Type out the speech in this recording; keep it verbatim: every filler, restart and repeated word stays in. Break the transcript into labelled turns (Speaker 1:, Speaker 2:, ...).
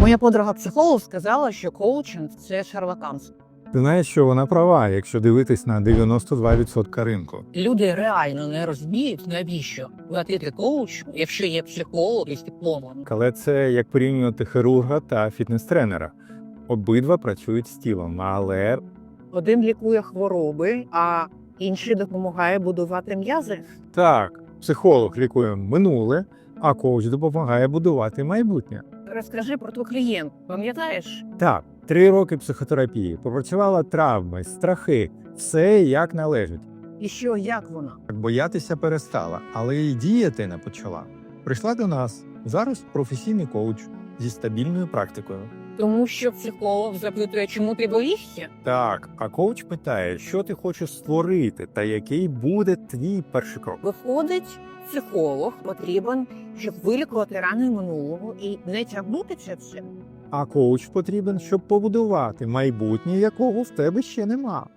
Speaker 1: Моя подруга-психолог сказала, що коучинг – це шарлатанство.
Speaker 2: Ти знаєш, що вона права, якщо дивитись на дев'яносто два відсотки ринку.
Speaker 1: Люди реально не розуміють, навіщо платити коучу, якщо є психолог із дипломом.
Speaker 2: Але це як порівнювати хірурга та фітнес-тренера. Обидва працюють з тілом, але
Speaker 1: Один лікує хвороби, а інший допомагає будувати м'язи.
Speaker 2: так, психолог лікує минуле, а коуч допомагає будувати майбутнє.
Speaker 1: Розкажи про твій клієнт, пам'ятаєш?
Speaker 2: Так, три роки психотерапії, попрацювала травми, страхи, все як належить.
Speaker 1: І що, як вона?
Speaker 2: Боятися перестала, але і діяти не почала. Прийшла до нас, зараз професійний коуч зі стабільною практикою.
Speaker 1: Тому що психолог запитує, чому ти боїшся?
Speaker 2: Так, а коуч питає, що ти хочеш створити та який буде твій перший крок.
Speaker 1: Виходить, психолог потрібен, щоб вилікувати рани минулого і не тягнути це все.
Speaker 2: А коуч потрібен, щоб побудувати майбутнє, якого в тебе ще нема.